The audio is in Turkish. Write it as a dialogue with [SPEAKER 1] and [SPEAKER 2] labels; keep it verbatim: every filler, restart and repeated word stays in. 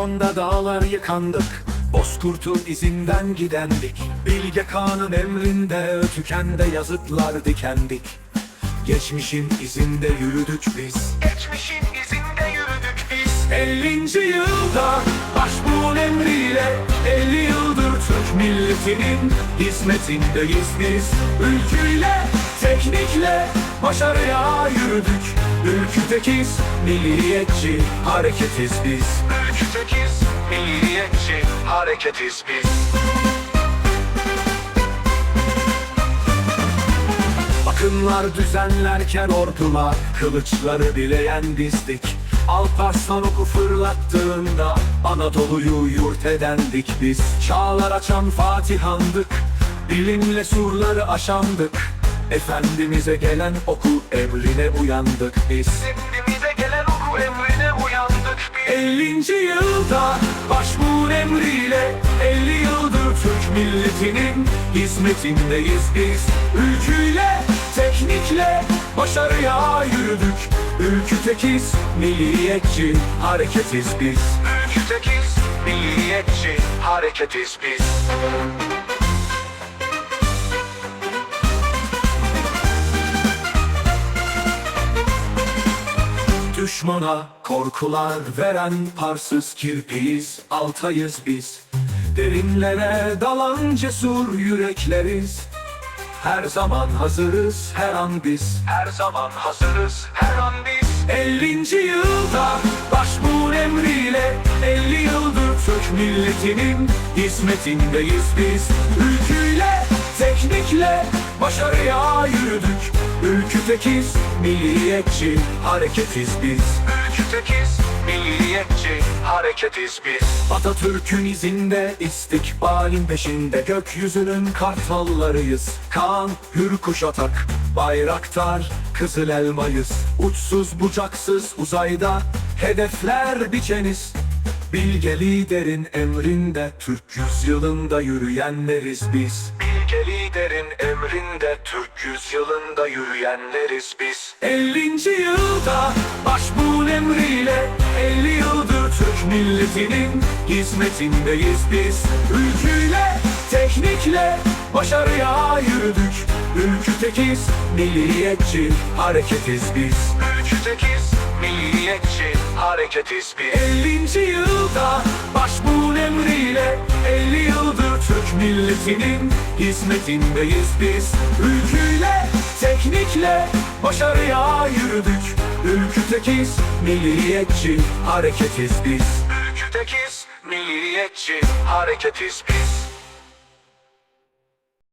[SPEAKER 1] Afyon'da dağlar yıkandık, Bozkurt'un izinden gidendik. Bilge Kağan'ın emrinde tükende yazıtlar dikendik. Geçmişin izinde yürüdük biz, Geçmişin izinde yürüdük biz. ellinci yılda başbuğun emriyle, elli yıldır Türk milletinin hizmetindeyiz biz. Ülküyle, teknikle başarıya yürüdük. Ülkütekiz, milliyetçi hareketiz biz. Ülkütekiz, milliyetçi hareketiz biz. Akınlar düzenlerken ordular, kılıçları bileyen dizdik. Alparslan oku fırlattığında Anadolu'yu yurt edendik biz. Çağlar açan Fatihandık, bilimle surları aşandık. Efendimiz'e gelen oku emrine uyandık biz. Efendimiz'e gelen oku emrine uyandık biz. ellinci yılda başbuğun emriyle, elli yıldır Türk milletinin hizmetindeyiz biz. Ülküyle, teknikle başarıya yürüdük. Ülkütekiz, milliyetçi hareketiz biz. Ülkütekiz, milliyetçi hareketiz biz. Düşmana korkular veren parsız kirpiyiz, Altayız biz. Derinlere dalan cesur yürekleriz. Her zaman hazırız, her an biz. Her zaman hazırız, her an biz. ellinci yılda başbuğun emriyle, elli yıldır Türk milletinin hizmetindeyiz biz. Ülküyle, teknikle başarıya yürüdük. Ülkütekiz, milliyetçi hareketiz biz. Ülkütekiz, milliyetçi hareketiz biz. Atatürk'ün izinde, istikbalin peşinde, gökyüzünün kartallarıyız. Kaan, Hürkuş Atak, Bayraktar, Kızıl Elmayız. Uçsuz bucaksız uzayda hedefler biçeniz. Bilge liderin emrinde, Türk yüzyılında yürüyenleriz biz. Bilge liderin emrinde, Türk yüzyılında yürüyenleriz biz. ellinci yılda başbuğun emriyle, elli yıldır Türk milletinin hizmetindeyiz biz. Ülküyle, teknikle başarıya yürüdük. Ülkütekiz, milliyetçi hareketiz biz. Ülkütekiz, milliyetçi hareketiz biz. ellinci yılda başbuğun emriyle, elli yıldır Türk milletinin hizmetindeyiz biz. Ülküyle, teknikle başarıya yürüdük. Ülkütekiz, milliyetçi hareketiz biz. Ülkütekiz, milliyetçi hareketiz biz.